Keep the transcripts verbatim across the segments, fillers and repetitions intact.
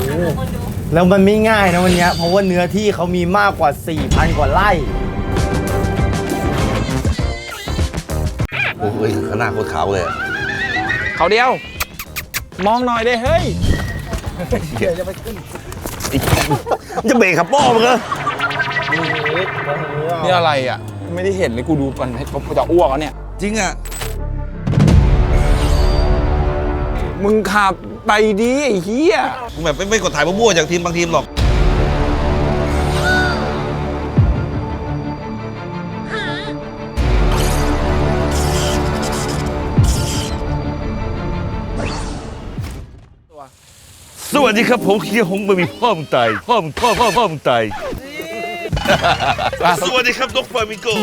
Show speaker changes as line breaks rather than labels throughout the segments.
แล้วมันไม่ง่ายนะวันนี้เพราะว่าเนื้อที่เขามีมากกว่า สี่พัน กว่าไร่
โอ้ยข้างหน้าโคตรขาวเลย
เขาเดียวมองหน่อยได้เฮ้ย
เดี๋ยวจะไปขึ้นจะเบรกขับป้อมึงเหรอ
นี่อะไรอ่ะไม่ได้เห็นเลยกูดูก่อนให้เขาจะอ้วกแล้วเนี่ย
จริงอ่ะ
มึงขับไปดิไอ้เหี้ย
มึงแบบไม่กดถ่ายมั่วๆจากทีมบางทีมหรอกสวัสดีครับผมเคียร์หงบะหมี่พ่อมึงตายพ่อมึงพ่อพ่อพ่อมึงตายสวัสดีครับนกฟลามิงโก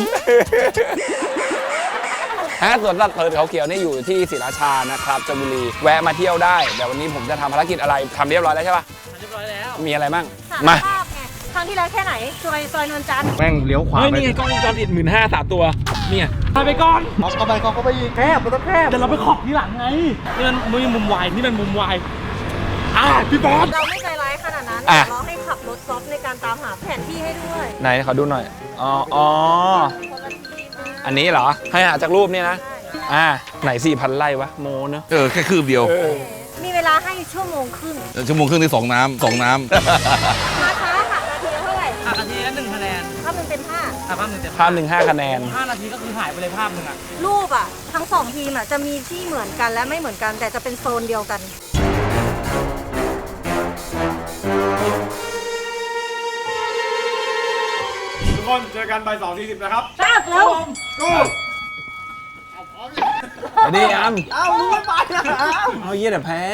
ฮะส่วนรัดเพลินเขาเขียวนี่อยู่ที่ศรีราชานะครับจันทบุรีแวะมาเที่ยวได้แต่วันนี้ผมจะทำภารกิจอะไรทำเรียบร้อยแล้วใช่ปะ
เรียบร้อยแล้ว
มีอะไรบ้าง
มาครั้งที่แล้วแค่ไหนซอยซอยนวลจันทร์
แม่งเลี้ยวขวา
เฮ้ยนี่ไงกล้องวงจรปิดหมื่นห้าสามตัวเนี่ยไปไปก่อน
เอาเข้าไปเข้าไปอีกแคบมันต้องแคบ
เดี๋ยวเราไปขอบทีหลังไงนี่มันมือมุมวายนี่มันมุมวายอ่ะพี่บอส
เราไม่ใจร้ายขนาดนั้นเราให้ขับรถซอฟในการตามหาแผนที่ให้ด้วย
ไหนขอดูหน่อยอ๋ออ๋ออันนี้เหรอให้หาจากรูปนี่นะอ่าไหนสี่พันไร่วะโมเนอะ
เออแค่คืบเดียว
มีเวลาให้ชั่วโมงครึ่ง
ชั่วโมงครึ่งที่สองน้ำสองน้ำ
มาช้าหักนาทีเท่าไหร่
หักนาทีละหนึ่งคะแนน
ภาพหนึ่งเป็นห้า
ภาพหนึ่งเต็ม
ภาพหนึ่งห้าคะแนน
ห้านาทีก็คือหายไปเลยภาพหนึ่งอะ
รูปอ่ะทั้งสองทีมอ่ะจะมีที่เหมือนกันและไม่เหมือนกันแต่จะเป็นโซนเดียวกัน
ทุกคนเจอกันบ่ายสองสี่สิบนะครับ
ทราบแล้ว
กู
อันนี้อัม
เอามึงไม่ไปนะ
เอาเยี่ยแต่แพ้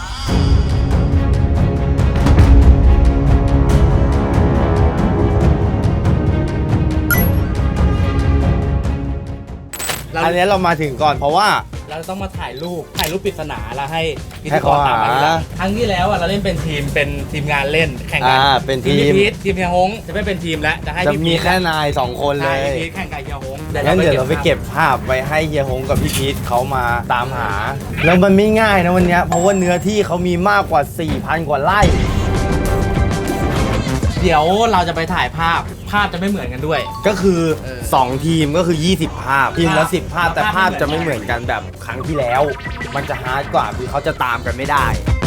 อันนี้เรามาถึงก่อนเพราะว่า
เราต้องมาถ่ายรูปถ่ายรูปปริศนาแล้วให้พิ
ธี
กรตามมาครั้งที่แล้วอ่ะเราเล่นเป็นทีมเป็นทีมงานเล่นแข่งกัน
เป็นทีม
พีททีมเฮียฮงจะไม่เป็นทีมแล้วจะให้
จะมีแค่นายสองคนเลย
พีทแข่งกับเฮียฮง
งั้นเดี๋ยวเราไปเก็บภาพไว้ให้เฮียฮงกับพี่พีทเขามาตามหาแล้วมันไม่ง่ายนะวันนี้เพราะว่าเนื้อที่เขามีมากกว่า สี่พัน กว่าไร่
เดี๋ยวเราจะไปถ่ายภาพภาพจะไม่เหมือนกันด้วย
ก็คือสองทีมก็คือยี่สิบภาพทีมละสิบภาพแต่ภาพจะไม่เหมือนกันแบบครั้งที่แล้วมันจะฮาร์ดกว่าคือเขาจะตามกันไม่ได้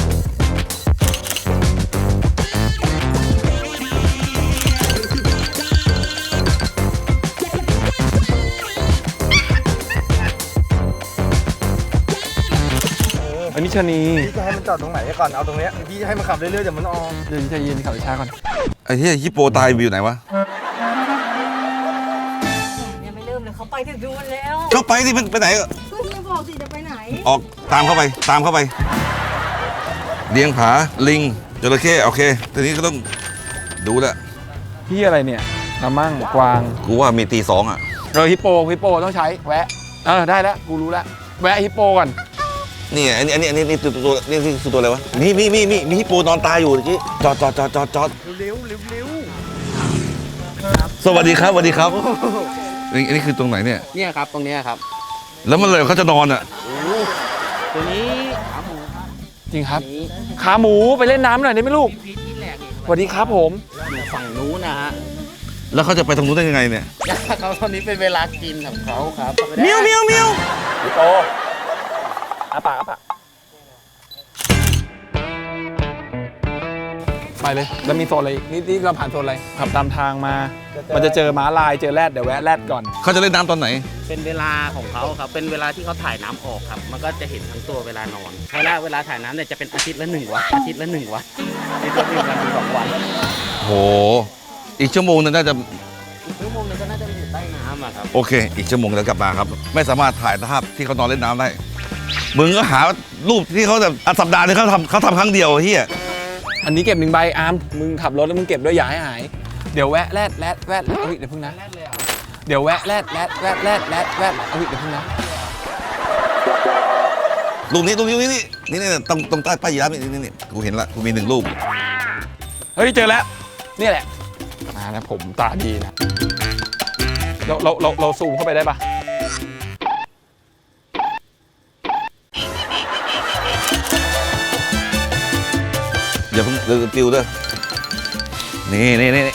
อันนี้ชนี
พี่จะให้มันจอดตรงไหนก่อนเอาตรงนี้พี่จะให้มันขับเรื่อยๆเดี๋ยวมันออก
เดี๋ยวจะยืนขับช้าก่อน
ไอ้ที่ฮิปโปตายอยู่ไหนวะ
ยังไม่เริ่มเลยเขาไปถึงดูมันแล้ว
ก็ไปสิมันไปไหนก็
พี่บอกสิจะไปไหน
ออกตามเข้าไปตามเข้าไปเลี้ยงผาลิงจระเข้โอเคทีนี้ก็ต้องดูแหละ
พี่อะไรเนี่ยกระมั่งกวาง
กูว่ามีตีสองอ่ะ
เออฮิปโปฮิปโปต้องใช้แวะเออได้แล้วกูรู้แล้วแวะฮิปโปก่อน
นี่อันนี้อันนี้อันนี้นี่ตัวตัวนี่คือตัวอะไรวะมีมีมีมีมีฮิปโปนอนตายอยู่เมื่อกี้จอดจอดจอดจอดจอด
เร็วเร็วเร็ว
สวัสดีครับสวัสดีครับอันนี้คือตรงไหนเนี่ย
เนี่ยครับตรงนี้ครับ
แล้วมันเลยเขาจะนอนอ่ะ
ตัวนี้ขาหมูครับ
จริงครับขาหมูไปเล่นน้ำหน่อยได้ไหมลูกสวัสดีครับผม
ฝั่งนู้นนะฮะ
แล้วเขาจะไปตรงนู้นได้ยังไงเนี่ย
เขาตอนนี้เป็นเวลากินของเขาครับ
มิวมิวมิวโตอาปากอาปากไปเลยแล้วมีโซนอะไรนี่นี่เราผ่านโซนอะไรขับตามทางมามันจะเจอม้าลายเจอแรดเดี๋ยวแวะแรดก่อน
เขาจะเล่นน้ำตอนไหน
เป็นเวลาของเขาครับเป็นเวลาที่เขาถ่ายน้ำออกครับมันก็จะเห็นทั้งตัวเวลานอนเวลาเวลาถ่ายน้ำเนี่ยจะเป็นอาทิตย์ละหนึ่งวันอาทิตย์ละหนึ่งวันในตัวหนึ่งวันถึงสองวัน
โหอีกชั่วโมงนึงน่าจะ
อีกชั่วโมงนึงก็น่าจะอยู่ใต้น้ำอะครับ
โอเคอีกชั่วโมงแล้วกลับมาครับไม่สามารถถ่ายภาพที่เขานอนเล่นน้ำได้มึงก็หารูปที่เขาแบบสัปดาห์นึงเขาทำเขาทำครั้งเดียวเฮีย
อันนี้เก็บหนึ่งใบอาร์มมึงขับรถแล้วมึงเก็บด้วยอย่าให้หายเดี๋ยวแวะแรดแรดแวดเฮ้ยเดี๋ยวพึ่งนะเดี๋ยวแวะแรดแรดแวดแรดแรดแวดเฮ้ยเดี๋ยวพึ่งนะ
รูปนี้รูปนี้นี่นี่นี่ตรงตรงใต้ป้ายยีราฟนี่นี่นี่กูเห็นละกูมีหนึ่งรูป
เฮ้ยเจอแล้วนี่แหละมาแล้วผมตาดีนะเราเราเราเราซูมเข้าไปได้ปะ
อย่าเพิ่งเดือดติวเด้อนี่นี่นี่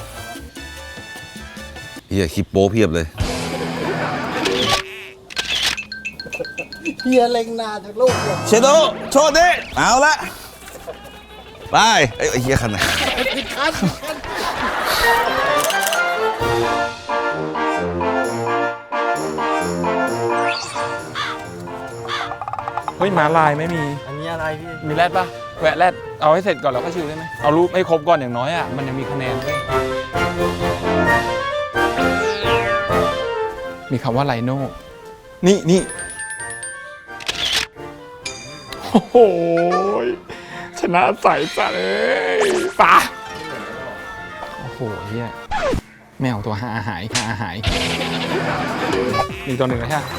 เฮียคลิปโป้เพียบเลย
เฮียเล็งนาจากลูกเลย
เชโดโชดดิเอาละไปไอ้ยเฮียคันไหน
เฮ้ยหมาลายไม่มี
อันนี้อะไรพี่
มีแรดปะแวะแรดเอาให้เสร็จก่อนแล้วก็ชิวได้ไหมเอารูปให้ครบก่อนอย่างน้อยอ่ะมันยังมีคะแนนด้วยมีคำว่าไลโน่นี่นี่โอ้โหชนะใสจัดเลยปะโอ้โหเฮียแมวตัวหาหายหาหายมีตัวหนึ่งแล้วใช่ไหม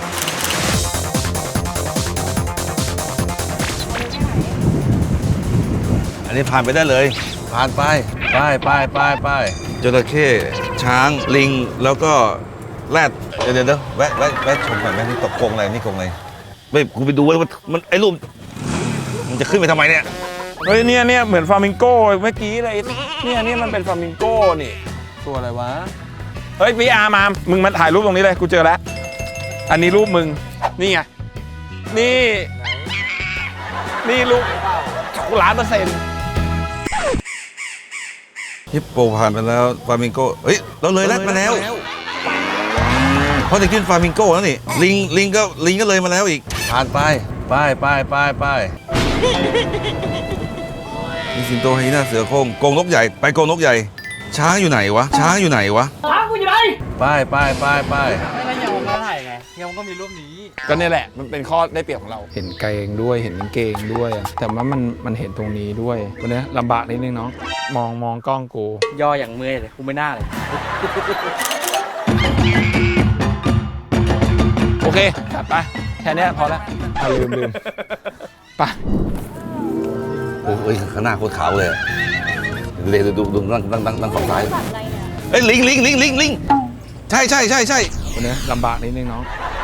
อันนี้ผ่านไปได้เลย ผ่านไปไปไปไปไปจระเข้ช้างลิงแล้วก็แรดเดี๋ยวเดี๋ยวเดี๋ยวแวะแวะแวะชมหน่อยแม่นี่ตกกรงอะไรนี่กรงอะไรไม่กูไปดูว่ามันไอ้รูปมันจะขึ้นไปทำไมเนี่ย
เฮ้ยเนี่ยเนี่ยเหมือนฟลามิงโก้เมื่อกี้เลยเนี่ยเนี่ยมันเป็นฟลามิงโก้นี่ตัวอะไรวะเฮ้ยพี่อาร์มอาร์มมึงมาถ่ายรูปตรงนี้เลยกูเจอแล้วอันนี้รูปมึงนี่ไงนี่นี่รูปล้านเปอร์เซ็นต์
ฮิปโปผ่านไปแล้วฟลามิงโกเฮ้ยเราเลยแรดมาแล้วเพราะจะขึ้นฟลามิงโกแล้วนี่ลิงลิงก็ลิงก็เลยมาแล้วอีกผ่านไปไปไปไปไปมีสิงโตไฮยีน่าเสือโคร่งกรงนกใหญ่ไปกรงนกใหญ่ช้างอยู่ไหนวะช้างอยู่ไหนวะช้างกูอยู่ไหนไปไปไปไป
ไม่แล้วยังมาถ่ายไงยังก็มีรูปนี้
ก็นี่แหละมันเป็นข้อได้เปรียบของเราเห็นเกงด้วยเห็นกางเกงด้วยแต่ว่ามันมันเห็นตรงนี้ด้วยวันนี้ลำบากนิดนึงน้องมองมองกล้องกู
ย่ออย่างเมื่อยเลยกูไม่น่าเลย
โอเคจัดไปแค่นี้พอแล้วอ่ะลืมลืมไป
โอ้ยข้างหน้าโคตรขาวเลยเลยดูดูนั่งนั่งนั่งนั่งฝั่งซ้ายเอ้ยลิงลิงลิงลิงลิงใช่ใช่ใช่ใช่
วันนี้ลำบากนิดนึงน้อง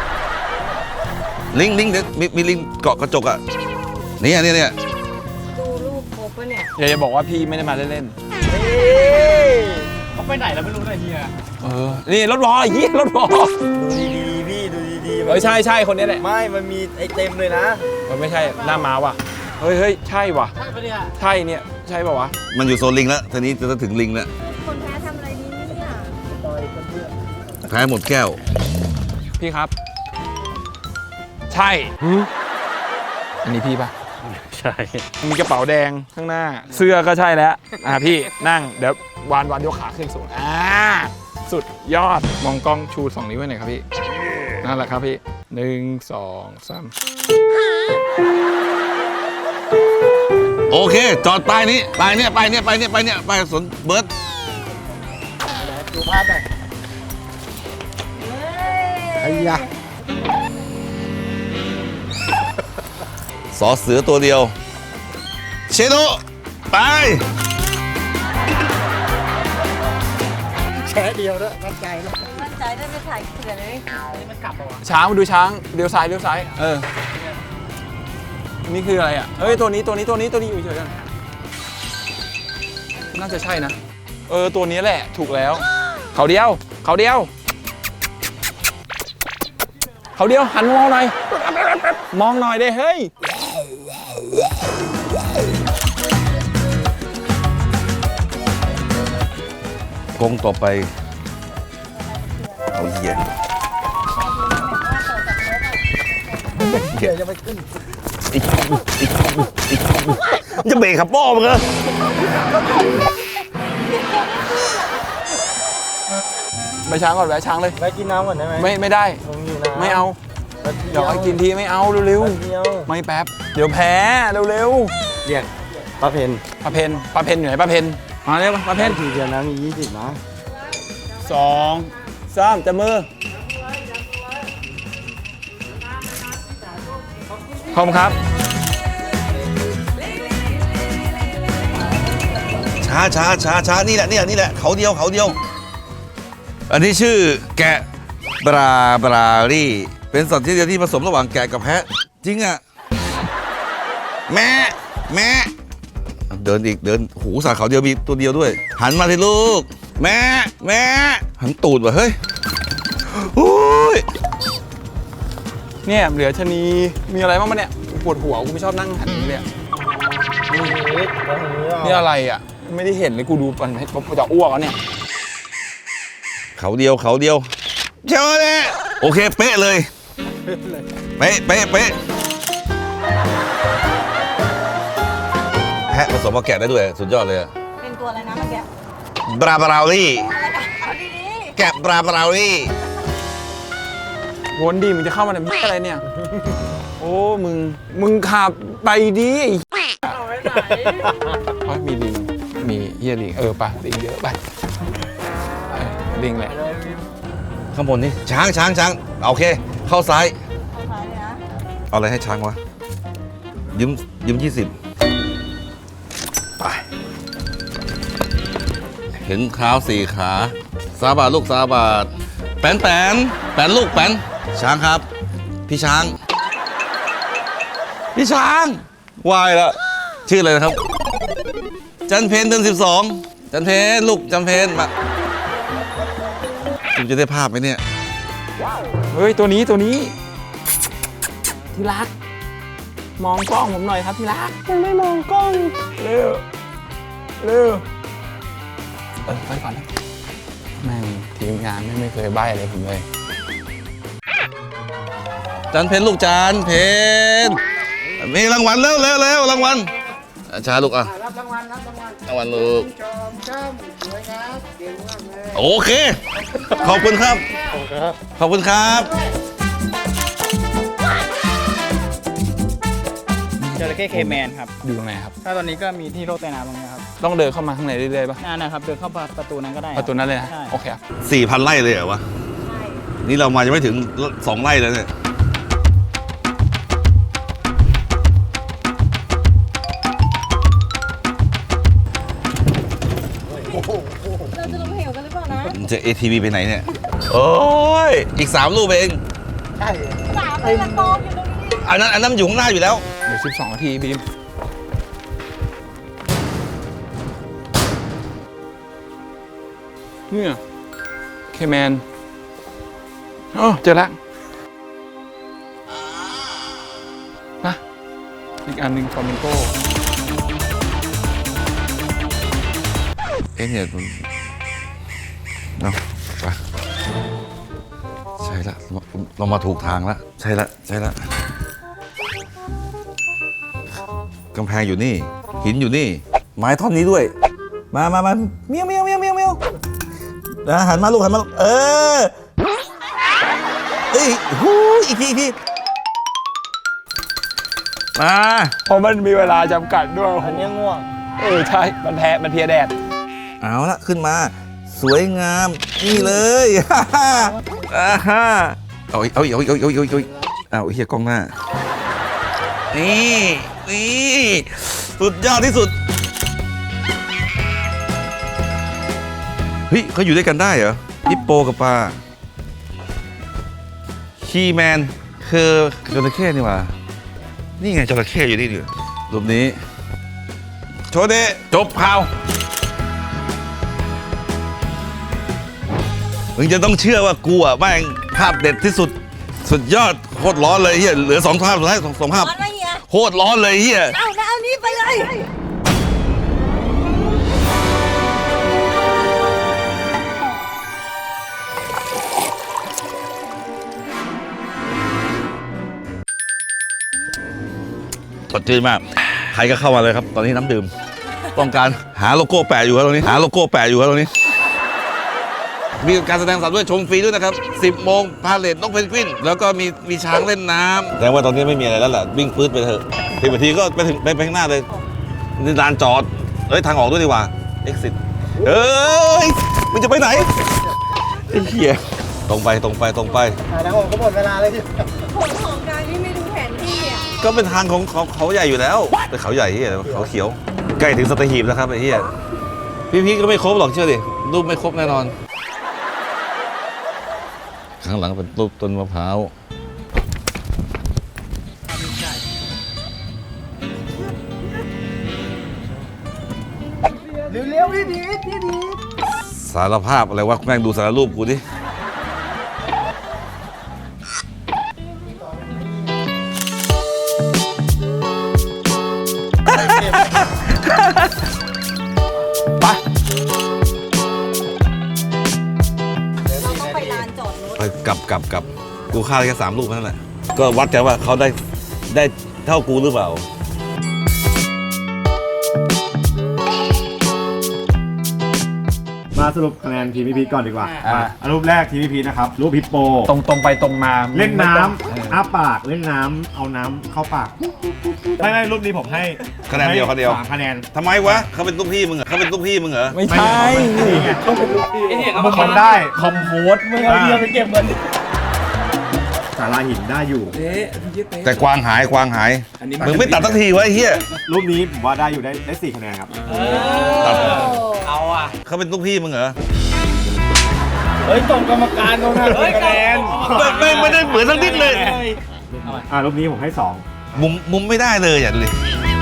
ลิงลิงเดี๋ยวมีมีลิงเกาะกระจกอ่ะเนี่ยเนี่ยเนี่ย
ดูรูปครบปะเนี่ย
อย่าจะบอกว่าพี่ไม่ได้มาเล่น
เขาไปไหนแล้วไม่รู้นะเฮีย
ๆเออนี่รถบอเยี่ยรถบอ
ดูดีๆพี่ดูดีๆ
เออใช่ใช่คนนี้แหละ
ไม่มันมีไอเต็มเลยนะ
มันไม่ใช่หน้าม้าว่ะเฮ้ยเฮ้ยใช่ว่ะใช่ปะเนี่ยใช่เนี่ยใช่ป่าวะ
มันอยู่โซนลิงแล้วทีนี้จะถึงลิงแล้ว
คนแพ้ทำอะไรนี่เนี่ย
แพ้หมดแก้ว
พี่ครับ ใช่อันนี้พี่ปะ
ใช่
มีกระเป๋าแดงข้างหน้า เสื้อก็ใช่แล้วอ่ะพี่นั่งเดี๋ยววานวานยกขาขึ้นสูงอ่าสุดยอดมองกล้องชูสองนิ้วไว้หน่อยครับพี่นั่นแหละครับพี่หนึ่งสองสาม
โอเคจอดป้ายนี้ป้ายเนี้ยป้ายเนี้ยป้ายเนี้ยป้ายเนี้ยป้ายสวนเบิร์ด
ดูภาพหน่อยไอ้ยะ
สอเสือตัวเดียวเชโดไป
แฉเดียวด้วยมั่นใจแล้ว
มั่นใจได้ไปถ่ายเขื่อนเลย
ช้างมาดูช้างเลี้ยวซ้ายเลี้ยวซ้ายเออนี่คืออะไรอ่ะเอ้ยตัวนี้ตัวนี้ตัวนี้ตัวนี้อยู่เฉยๆกันน่าจะใช่นะเออตัวนี้แหละถูกแล้วเขาเดียวเขาเดียวเขาเดียวหันมองหน่อยมองหน่อยได้เฮ้ย
กงต่อไปเอาเหี้ย
เดี๋ยวจะไปขึ้น
อีกอีกอีกจะเบรกขับป้อมึงเหรอ
ไปช้างก่อนแวะช้างเลย
ไปกินน้ำก่อนได้ไหม
ไม่ไม่ได้
ผมอยู่น้ำ
ไม่เอา
แป๊บ
เดี๋ยวให้กินทีไม่เอาเร็ว
แป๊บเดียว
ๆไม่แป๊บเดี๋ยวแพ้เร็ว
เรียกป้าเพน
ๆป้าเพนป้าเพนอยู่ไหนป้าเพนมาเร็วป้าเพน
ทีเดียวนะมียี่สิบนะ
สองสามจับมือขอบคุณครับ
ช้าช้าช้าช้านี่แหละนี่แหละนี่แหละเขาเดียวเขาเดียว อันนี้ชื่อแกะบราบรารี่เป็นสัตว์ที่เดียวที่ผสมระหว่างแกะกับแพะจริงอ่ะแม่แม่เดินอีกเดินหูสาเขาเดียวมีตัวเดียวด้วย หันมาสิลูก แม่แม่หันตูดว่ะเฮ้ยโอ้ย
เนี่ยเหลือชะนีมีอะไรบ้างปะเนี่ยปวดหัวกูไม่ชอบนั่งหันอย่างนี้เลยอะนี่อะไรอ่ะไม่ได้เห็นเลยกูดูมันให้กูจะอ้วกแล้วเนี่ย
เขาเดียวเขาเดียวเจ้าเลยโอเคเป๊ะเลยเป๊ะเป๊ะเป๊ะแพะผสมกับแกะได้ด้วยสุดยอดเลยอะ
เป็นตัวอะไรนะเมื่อกี้
บราบราวลี่
เอาดี
แกะบราบราวลี่
วนดีมึงจะเข้ามาในมึงอะไรเนี่ย โอ้มึงมึงขับไปดิเอาไว้ไหนเพราะมีลิงมีเฮียลิงเออปะลิงเยอะไปเออลิงแหละ
ข้างบนนี่ช้างช้างช้างโอเค เข้าซ้าย
ๆเอาซ้ายเลยนะ
เอาอะไรให้ช้างวะยืมยืมยี่สิบไปเห็นเท้าสี่ขาซาบาทลูกซาบาทแปนแปนแปนลูกแปนช้างครับ พี่ช้าง พี่ช้างวายแล้วชื่ออะไรนะครับ จันเพนเดือนสิบสองจันเพนลูกจันเพนมาคุณจะได้ภาพไหมเนี่ย
เฮ้ยตัวนี้ตัวนี้ที่รัก มองกล้องผมหน่อยครับที่รักยังไม่มองกล้องเร็วเร็วเออไปก่อนนะแม่งทีมงานไม่ไม่เคยใบ้อะไรผมเลย
จันเพนลูกจันเพนมีรางวัลเร็วเร็วเร็วรางวัลอ่ะช้าลูกอ่ะ
รับรางวัลรับรางวัล
รางวัลลูก
จอมจ้ำสวยครับเก่งมากเลย
โอเค ขอบคุณครับ ขอบคุณครับ
จระเข้เคแมนครับ
อยู่ตรงไหนครับ
ถ้าตอนนี้ก็มีที่โลกใต้น้ำตรงนี้ครับ
ต้องเดินเข้ามาข้างในเรื่อยๆป่ะ
นั่นนะครับ เดินเข้าประตูนั้นก็ได้ค
ป
บ
ระตูนั้นเลยนะ
ใช่
โอเคครับ
สี่พันไร่เลยเหรอวะ
ใช่
นี่เรามายังไม่ถึงสองไร่แล้วเนี่ย
เราจะลงเหวกันหรือเปล่านะ
มันจะ เอ ที วี ไปไหนเนี่ย โอ้ย อีกสามลูกเอง
ใช่
สามเลยละกองอยู่ตรงนี้
อันนั้นอันนั้นอยู่ข้างหน้าอยู่แล้ว
เดี๋ยวสิบสองนาทีบีมเนี่ยเคแมนโอ้เจอแล้วนะอีกอันหนึ่งฟลามิงโก
เอ๊ะเนี่ยมันเนาะไปใช่ละเราเรามาถูกทางแล้ว ใช่ละใช่ละกำแพงอยู่นี่ หินอยู่นี่ ไม้ท่อนนี้ด้วย มามามาเมียวเมียวเมียวเมียวเมียวนะหันมาลูกหันมาลูกเออเอ้ยหูยอีกทีอีกทีมา
เพราะมันมีเวลาจำกัดด้วย
อันนี้ง่วง
เออใช่ มันแพ้มันเพลียแดด
เอาละขึ้นมา สวยงาม นี่เลย อ่าฮ่าเอาอีกเอาอีกเอาอีกเอาอีกเอาอีกเอาอีกเอาเฮียกล้องหน้า นี่นี่สุดยอดที่สุด เฮ้ยเขาอยู่ด้วยกันได้เหรอฮิปโปกับปลาคีแมนคือจระเข้นี่หว่า นี่ไงจระเข้อยู่นี่ดิรูปนี้ โชว์เดะจบข่าว มึงจะต้องเชื่อว่ากูอ่ะแม่งภาพเด็ดที่สุด สุดยอดโคตรร้อนเลยเฮียเหลือสองภาพสุดท้ายสองสองภาพ
ร้อนไหมเฮีย
โคตรร้อนเลยเฮีย
เอานะเอานี้ไปเลย
สดชื่นมาก ใครก็เข้ามาเลยครับ ตอนนี้น้ำดื่ม ต้องการหาโลโก้แปะอยู่ครับตรงนี้ หาโลโก้แปะอยู่ครับตรงนี้ มีการแสดงสัตว์ด้วยชมฟรีด้วยนะครับ สิบโมงพาเลทนกเพนกวิน แล้วก็มีมีช้างเล่นน้ำแต่ว่าตอนนี้ไม่มีอะไรแล้วแหละวิ่งปื๊ดไปเถอะทีนาทีก็ไปถึงไปไปข้างหน้าเลยนี่ลานจอดเอ้ยทางออกด้วยดีกว่า exit เอ้ยมันจะไปไหนไอ้เหี้ยตรงไปตรงไปตรงไป
ถ่ายแล้วผมก็หมดเวลาเลยที่
ผลของการที่ไม่ดูแผนที่อ่ะ
ก็เป็นทางของเขาเขาใหญ่อยู่แล้ว แต่เขาใหญ่เฮียเขาเขียว ใกล้ถึงสัตหีบแล้วครับไอ้เฮียพี่พีก็ไม่ครบหรอกเชื่อดิรูปไม่ครบแน่นอน ข้างหลังเป็นรูปต้นมะพร้าว
เร็วๆพี่พีทพี่พีท
สารภาพอะไรวะแม่งดูสารรูปกูดิ
ไป
เราต้องไปลานจอดรถ
ไปกลับกลับกลับกูฆ่าได้แค่สามรูปเท่านั้นแหละ ก็วัดกันว่าเขาได้ได้เท่ากูหรือเปล่า
มาสรุปคะแนนทีมพี่พีทก่อนดีกว่า
อ่า
อ่ะรูปแรกทีมพี่พีทนะครับ รูปฮิปโป
ตรงตรงไปตรงมา
เล่นน้
เออ
ำอ้าปากเล่นน้ำเอาน้ำเข้าปากไม่ไม่รูปนี้ผมให้
คะแนนเดียวคะแนนเดียว
สามคะแนน
ทำไมวะเขาเป็นลูกพี่มึงเหรอเขาเป็นลูกพี่มึงเหรอ
ไม่ใช่
นี่ไง
ไอ้เนี่ยเขา
มั
มาน
คนได้
คอมโพสไม่เอาเบียร์ไปเก็บเงิน
สาราหินได้อยู่
แต่กวางหายกวางหายมึงไม่ตัดสักทีวะไอ้เหี้ย
รูปนี้ผมว่าได้อยู่ได้ได้สี่คะแนนครับ
ตัด
เอาอ่ะ
เขาเป็นลูกพี่มึงเหรอ
เฮ้ยส่งกรรมการลงนะคะแนน
ไม่ไม่ไม่ได้เหมือนสักนิดเลย
อ่ารูปนี้ผมให้สอง
มุมมุมไม่ได้เลยอย่าดูดิ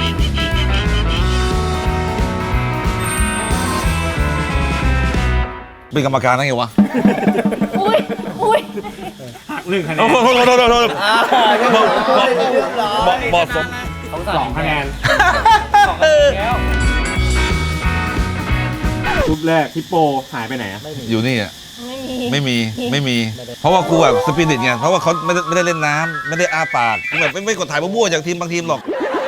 เป็นกรรมการได้ไงวะ
อุ้ยอุ้ย
หักหนึ่งคะแน
โอ้
น
โหโทษโทษโทษโทษ
เหมาะสม
สองคะแนนรูปแรกฮิปโปหายไปไหนอะ
อยู่นี่อ่ะ
ไม่มี
ไม่มีไม่มี เพราะว่ากูแบบสปิริตไงเพราะว่าเขาไม่ได้ไม่ได้เล่นน้ำไม่ได้อ้าปากกูแบบไม่ไม่กดถ่ายมั่วๆจากทีมบางทีมหรอก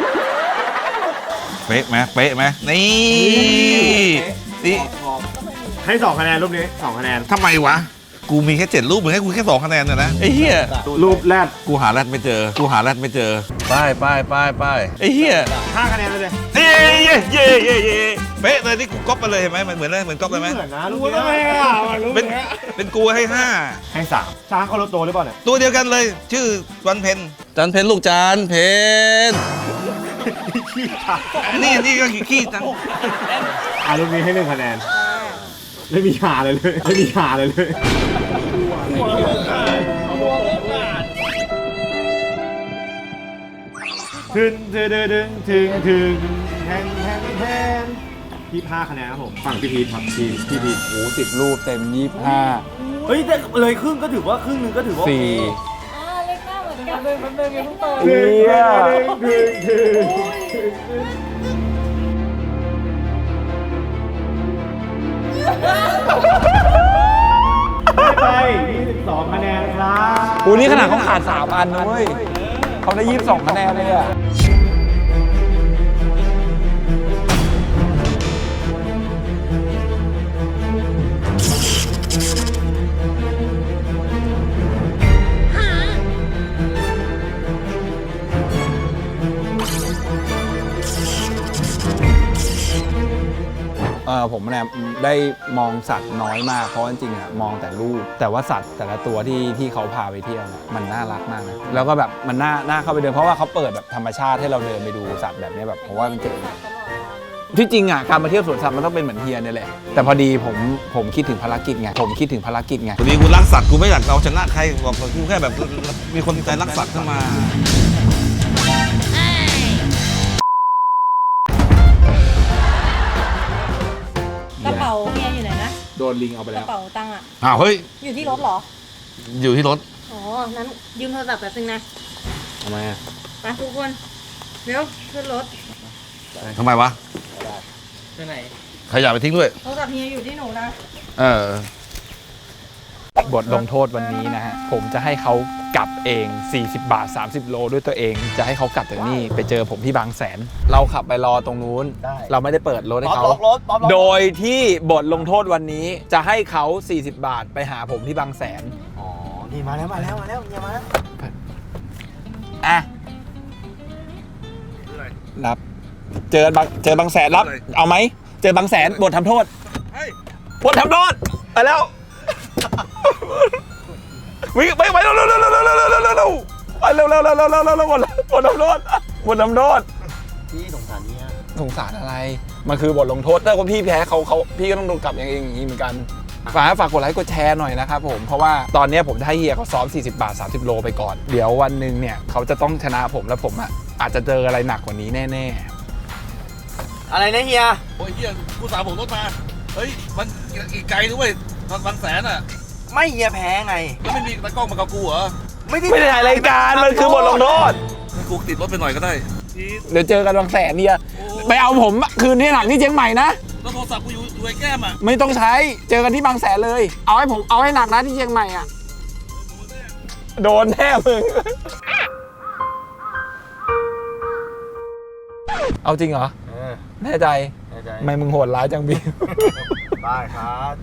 เป๊ะไหมเป๊ะไหมนี่นี่
ให้สองคะแนนรูปนี้สองคะแนน
ทำไมวะกูมีแค่เจ็ดรูปมึงให้กูแค่สองคะแนนเนี่ยนะไอ้เหี้ย
รูปแรก
กูหาแรดไม่เจอกูหาแรดไม่เจอป้ายป้ายป้ายป้ายไอ้เหี้ย
ห้าคะแนนไปเลย
เย้เย้เย้เย้เย้เป๊ะเลยนี่กูก๊อปไปเลยเห็นไหมมันเหมือนเลยเหมือนก๊อปเลยไหม
เหมือนนะรูปนี้
เป็นเป็นกูให้ห้า
ให้สามช้างเขารถโตหรือเปล่าเนี่ย
ตัวเดียวกันเลย ชื่อวันเพนจันเพนลูกจานเพนนี่นี่ก็ขี้จัง
อ่ารูปนี้ให้หนึ่งคะแนนไม่มีหาเลยเลยไม่มีหาเลยเลยถึงถึงถึงถึงถึงแทนแทนแทนพี่ห้าคะแนนครับผมฝั่งพี่พีทครับทีมพี่พีท
โอ้สิบรูปเต็มยี่สิบห้า
เฮ้ยแต่เลยครึ่งก็ถือว่าครึ่งหนึงก็ถือว่า
สี่
อ่าเล็กหน้าเหมือนกันเลยมันเป็นยังเพิ่งโต
ถึงถึงถึงถึงไปยี่สิบสองคะแนนครับ
โอ้นี่ขนาดเขาขาดสามอันนะเว้ยเขาได้ยี่สิบสองคะแนนเลยอ่ะ เออผมเนี่ยได้มองสัตว์น้อยมากเพราะจริงๆอะมองแต่รูปแต่ว่าสัตว์แต่ละตัวที่ที่เขาพาไปเที่ยวเนี่ยมันน่ารักมากนะแล้วก็แบบมันน่าน่าเข้าไปเดินเพราะว่าเขาเปิดแบบธรรมชาติให้เราเดินไปดูสัตว์แบบนี้แบบผมว่ามันเจ๋งที่จริงอ่ะการมาเที่ยวสวนสัตว์มันต้องเป็นเหมือนเฮียเนี่ยแหละแต่พอดีผมผมคิดถึงภารกิจไงผมคิดถึงภารกิจไง
พอดีกูรักสัตว์กูไม่อยากเอาชนะใครบอกกูแค่แบบมีคนใจรักสัตว์เข้ามา
กระเป๋าเมียอยู่ไหนนะ
โดนลิงเอาไป
ก
แล้
ระ
ว
เป๋าตังค์อ่ะ
อ้าวเฮ้ย
อยู่ที่รถเหรอ
อยู่ที่รถ
อ๋อ นั้นยืมโทรศัพท์แป๊บนึงนะ
ทำไมอ่ะ
ไปทุกคน เร็วขึ้นรถ
ทำไมวะ
ไปไหน
ขยะไปทิ้งด้วย
โทรศัพท์เฮียอยู่ที่หนูนะ
เออ
บทลงโทษวันนี้นะฮะผมจะให้เขากลับเองสี่สิบบาทสามสิบโลด้วยตัวเองจะให้เขากลับจากนี่ไปเจอผมที่บางแสน เราขับไปรอตรงนู้นเราไม่ได้เปิดรถให้เขา โดยที่บทลงโทษวันนี้จะให้เขาสี่สิบบาทไปหาผมที่บางแสน
อ๋อ นี่มาแล้วมาแล้วมาแล้วเนี่ยมาแล้ว
อ่ะรับเจอบางเจอบางแสนรับ เอาไหมเจอบางแสนบททำโทษบททำโทษไปแล้ววิ่งไปไปเร็วเร็วเร็วเร็วเร็วเร็วเร็วเร็วเร็วไปเร็วเร็วเร็วเร็วเร็วเร็วเร็วบทบททำโทษบททำโทษ
พี่สงสารเนี่ย
สงสารอะไรมันคือบทลงโทษถ้าคนพี่แพ้เขาเขาพี่ก็ต้องโดนกลับอย่างเองอย่างนี้เหมือนกันฝากฝากกดไลค์กดแชร์หน่อยนะครับผมเพราะว่าตอนนี้ผมจะให้เฮียเขาซ้อมสี่สิบบาทสามสิบโลไปก่อนเดี๋ยววันหนึ่งเนี่ยเขาจะต้องชนะผมแล้วผมอ่ะอาจจะเจออะไรหนักกว่านี้แน่ๆ
อะไรนะเฮีย
โอ้ยเฮียกูสาวผมรถมา เฮ้ย มันอีกไกลด้วยตอนบางแสนอ่ะ
ไม่เฮียแพ้ไง
แล้วไม่มีตากล้องมากับกูเหรอ
ไม่ได้
ไม่ได้ถ่ายรายการมันคือบทลงโทษ
ให้กูติดรถไปหน่อยก็ได้พีท
เดี๋ยวเจอกันบางแสนเนี่ยไปเอาผมคืนที่หลังที่เชียงใหม่นะ
แล้วโทรศัพท์กูอยู่อยู่ไอ้แก้มอ่ะ
ไม่ต้องใช้เจอกันที่บางแสนเลย เอาให้ผมเอาให้หนักนะที่เชียงใหม่อ่ะโดนแน่มึงเอาจริงเหรอ
เออ
แน่ใจ
แน่ใจ
ทำไมมึงโหดร้ายจังบี
ได้ครับ